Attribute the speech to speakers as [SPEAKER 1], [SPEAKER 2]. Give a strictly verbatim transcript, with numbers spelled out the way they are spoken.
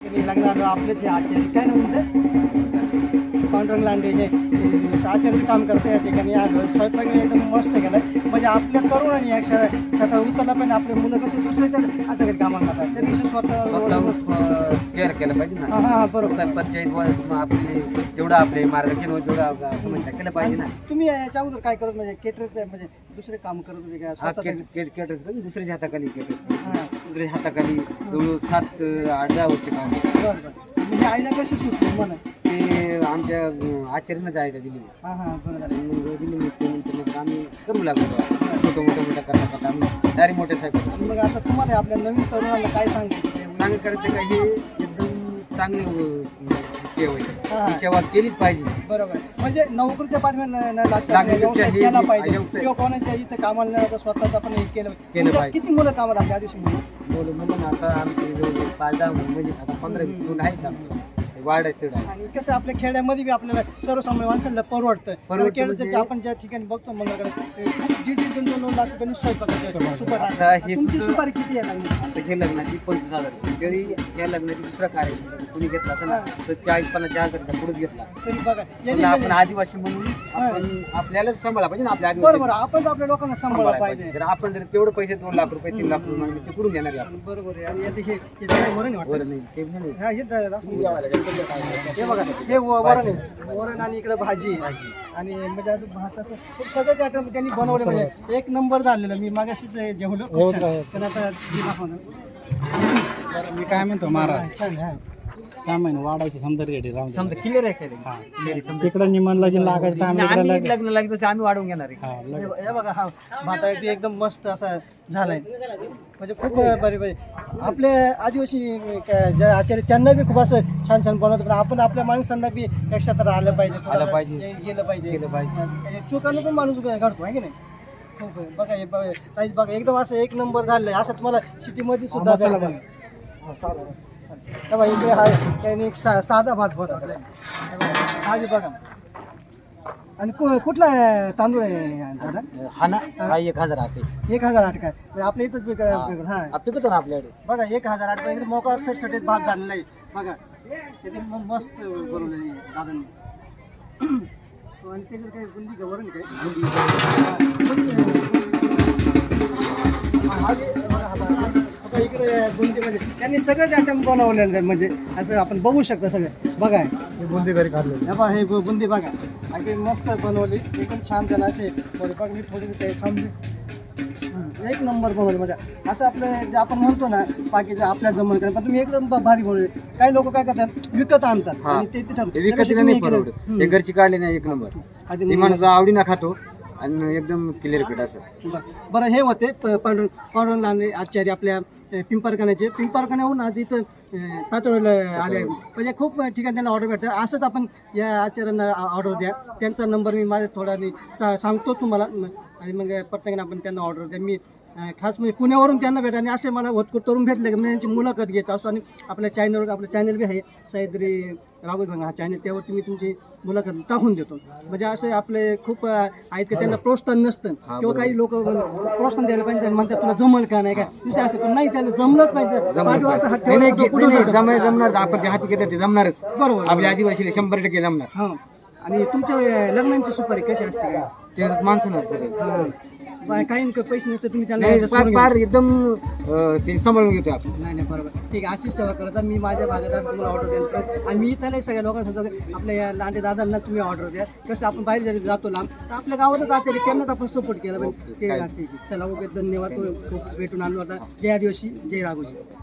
[SPEAKER 1] त्यांनी लग्नाला आपलेच हे आचार्य काय ना तुमचं पांडुरंग लांडे हे हे आचार्याचं काम करतं या ठिकाणी आलो स्वयंपाक एकदम मस्त केलं म्हणजे आपल्या तरुणांनी या शहर शेतात उतरला पण आपले मुलं कसे दुसऱ्याच्या आता काही कामाला जातात तरी स्वतः
[SPEAKER 2] स्वतः केअर केलं पाहिजे ना.
[SPEAKER 1] हां हां बरोबर
[SPEAKER 2] स्वतः पंचायत आपले जेवढं आपले मार्गदर्शन होतं तेवढं समजता केलं पाहिजे ना.
[SPEAKER 1] तुम्ही याच्या अगोदर काय करत म्हणजे केटरचं म्हणजे दुसरे काम करत होते का
[SPEAKER 2] हा
[SPEAKER 1] स्वतः
[SPEAKER 2] केट केट केटर्स पाहिजे दुसऱ्याच्या हाताखाली केटर्स
[SPEAKER 1] हां
[SPEAKER 2] दुसऱ्याच्या हाताखाली जवळ सात आठ दहा वर्ष काम
[SPEAKER 1] बरं बरं म्हणजे आईला कशी सुचली मला
[SPEAKER 2] ते आमच्या आचार्यानं जायचं दिली
[SPEAKER 1] हां हां बरं झालं
[SPEAKER 2] मग दिली मग त्यानंतर मग आम्ही करू लागलो छोटं मोठं मोठं करता करता आम्ही डायरेक्ट मोठे साहेब
[SPEAKER 1] आणि मग आता तुम्हाला आपल्या नवीन तरुणाला काय सांगायचं
[SPEAKER 2] सांग करायचं का हे एकदम चांगली अं, सेवा आहे
[SPEAKER 1] हां.
[SPEAKER 2] ही सेवा केलीच पाहिजे.
[SPEAKER 1] बरोबर म्हणजे नोकरीच्या पाठव्याला न लागता
[SPEAKER 2] लागण्यापेक्षा
[SPEAKER 1] व्यवसाय
[SPEAKER 2] हे
[SPEAKER 1] केला
[SPEAKER 2] जे-
[SPEAKER 1] पाहिजे
[SPEAKER 2] व्यवसाय-
[SPEAKER 1] किंवा कोणाच्या इथं कामाला न जाता स्वतःच आपण हे केलं
[SPEAKER 2] केलं
[SPEAKER 1] तुमच्या
[SPEAKER 2] पाहिजे.
[SPEAKER 1] किती मुलं कामाला आपल्या आधी मुलं
[SPEAKER 2] बोलू म्हणलं ना आता आमचे जवळ पाच दहा म्हणजे आता पंधरा वीस मुलं आहेत आमचे वाढ आहे सीड आहे.
[SPEAKER 1] आणि कसं आपल्या खेड्यामध्ये बी आपल्याला सर्वसामान्य माणसाला परवडतं
[SPEAKER 2] परवडतं
[SPEAKER 1] खेड्याचं
[SPEAKER 2] म्हणजे-
[SPEAKER 1] आपण ज्या ठिकाणी बघतो मंगळकडे दीड दीड दोन दोन लाख रुपयांनी स्वयंपाक सुपर
[SPEAKER 2] आता हे
[SPEAKER 1] तुमची
[SPEAKER 2] सुद्धा-
[SPEAKER 1] सुपारी किती आहे लागली
[SPEAKER 2] आता हे लग्नाची पंचवीस हजार रुपये. तरी या लग्नाची दुसरा कार्य कुणी घेतला असेल ना तर चाळीस पन्नास चार हजार पुढेच घेतला असेल.
[SPEAKER 1] तरी बघा
[SPEAKER 2] म्हणलं
[SPEAKER 1] यांनी
[SPEAKER 2] आपण आदिवासी म्हणून आपण आपल्यालाच सांभाळा पाहिजे ना आपल्या
[SPEAKER 1] बरोबर
[SPEAKER 2] आदिवासी
[SPEAKER 1] आपण आपल्या लोकांना सांभाळलं पाहिजे
[SPEAKER 2] जर आपण जर तेवढं पैसे दोन लाख रुपये तीन लाख रुपये मागितले, ते कुठून देणार आहे आपण?
[SPEAKER 1] बरोबर आहे आणि आता हे हे जरा वरण आहे वाटतं.
[SPEAKER 2] बरं नाही ते नाही
[SPEAKER 1] हा, हे दा- हे बघा हे व- वरण आहे वरण आणि इकडे भाजी आणि म्हणजे असं भात असं खूप सगळ्याच आयटम त्यांनी बनवले म्हणजे एक नंबर झालेलं मी मागाशीच हे जेवलो खूप छान. पण आता हे दाखवा ना.
[SPEAKER 3] मी काय म्हणतो महाराज
[SPEAKER 1] छान हा
[SPEAKER 3] सहा महिने वाढायचे समजा रेडी राहून
[SPEAKER 2] समजा क्लिअर आहे काय क्लिअर आहे
[SPEAKER 3] तिकडं निमन लागेल लागायचं टाइम
[SPEAKER 2] आम्ही लग्न लागली तसं आम्ही वाढवून घेणार आहे.
[SPEAKER 1] हे हे बघा हा भात आहे ते एकदम मस्त असा झालाय म्हणजे खूप बरे बरे आपले आदिवासी काय जे आचार्य त्यांना बी खूप असं छान छान बनवतं पण आपण आपल्या माणसांना बी एक्स्ट्रा आलं पाहिजे थोडं
[SPEAKER 2] आलं पाहिजे.
[SPEAKER 1] हे गेलं पाहिजे
[SPEAKER 2] गेलं पाहिजे.
[SPEAKER 1] चुकानं पण माणूस घडतो आहे की नाही खूप आहे. बघा हे बघा काहीच बघा एकदम असं एक नंबर झालंय असं तुम्हाला सिटीमध्ये सुद्धा भेटणार. तेव्हा इकडे हा त्यांनी एक सा साधा भात बनवला साधी बघा आणि कु कुठला तांदूळ आहे दादा
[SPEAKER 2] हा ना हा एक हजार आठ आहे.
[SPEAKER 1] एक हजार आठ काय म्हणजे आपल्या इथंच बी काय- हा
[SPEAKER 2] हा, पिकतो ना आपल्याकडे.
[SPEAKER 1] बघा एक हजार आठ पाहिजे मोकळा सटसटीत भात झालेला आहे बघा ते म- मस्त बनवलेलं आहे दादांनी आणि त्याच्यात काय बुंदी का वरण काय हा, हे बघा, हा बघा. आता इकडे बुंदी म्हणजे त्यांनी सगळेच आयटम बनवलेले आहेत म्हणजे असं आपण बघू शकतो सगळं बघा
[SPEAKER 3] बुंदी घरी काढलेली
[SPEAKER 1] हे बघा हे बु- बुंदी बघा अगदी मस्त बनवली एकदम छान जण असे बरं बघ मी थोडी काही थांबली हं, एक नंबर बनवली म्हणजे असं आपलं जे आपण म्हणतो ना बाकीचं आपल्या जमून पण तुम्ही एकदम ब- भारी बनवले काही लोक काय करतात विकत आणतात
[SPEAKER 2] हा.
[SPEAKER 1] आणि ते तिथं
[SPEAKER 2] ते विकतीला नाही परवडत हे घरची काढले नाही एक नंबर
[SPEAKER 1] आधी
[SPEAKER 2] हे माणूस आवडीनं खातो आणि एकदम क्लिअर पीठ असं.
[SPEAKER 1] बरं बरं, हे होते प- पांडुरंग पांडुरंग लांडे आचार्य आपल्या अ, पिंपरखान्याचे पिंपरखान्याहून आज इथं तातोडीला आले म्हणजे खूप ठिकाणी त्यांना ऑर्डर भेटतं असंच आपण या आचार्यांना ऑर्डर द्या त्यांचा नंबर मी माझ्या थोडा नि- सा सांगतो तुम्हाला म- आणि मग प्रत्येकाने आपण त्यांना ऑर्डर द्या मी अ, खास म्हणजे पुण्यावरून त्यांना भेटा आणि असे मला होतकूट तरुण भेटले की मी त्यांची मुलाखत घेत असतो आणि आपल्या चॅनलवर आपलं चॅनल बी आहे सह्याद्री राघव भंगा हा चॅनल त्यावरती मी तुमची मुलाखत टाकून देतो म्हणजे असे आपले खूप अ, आहेत की त्यांना प्रोत्साहन नसतं किंवा काही लोक प्रोत्साहन द्यायला पाहिजे त्यांना म्हणतात तुला जमल का नाही काय विषय असं पण नाही त्याला जमलंच पाहिजे पाच वाजता हात
[SPEAKER 2] नाही नाही
[SPEAKER 1] ठेवला
[SPEAKER 2] घे-
[SPEAKER 1] तर
[SPEAKER 2] नाही,
[SPEAKER 1] पुढं
[SPEAKER 2] नाही,
[SPEAKER 1] जातं.
[SPEAKER 2] जमाय जमणार आपण ते हाती घेतात ते जमणारच
[SPEAKER 1] बरोबर
[SPEAKER 2] आपल्या आदिवासीला शंभर टक्के जमणार.
[SPEAKER 1] हां आणि तुमच्या अ, लग्नांची सुपारी कशी असते काय
[SPEAKER 2] ते माणसं नसतं रे.
[SPEAKER 1] हां बा- काही न- पैसे नसते तुम्ही त्यांना
[SPEAKER 2] नाही
[SPEAKER 1] adjust
[SPEAKER 2] फार
[SPEAKER 1] करून घ्या.
[SPEAKER 2] फार एकदम अं, ते सांभाळून घेतो आपण.
[SPEAKER 1] नाही नाही बरोबर ठीक आहे अशीच सेवा करता मी माझ्या भागात आहे, तुम्हाला ऑर्डर द्यायला पाहिजे आणि मी त्याला सगळ्या लोकांना सांगतो की आपल्या या लांडे दादांना तुम्ही ऑर्डर द्या कसं आपण बाहेर जरी जातो लांब तर आपल्या गावातच आचार्य त्यांनाच आपण सपोर्ट केला पाहिजे ठीक आहे चला ओके धन्यवाद तो तो भेटून आलो आता जय आदिवासी जय राघोजी.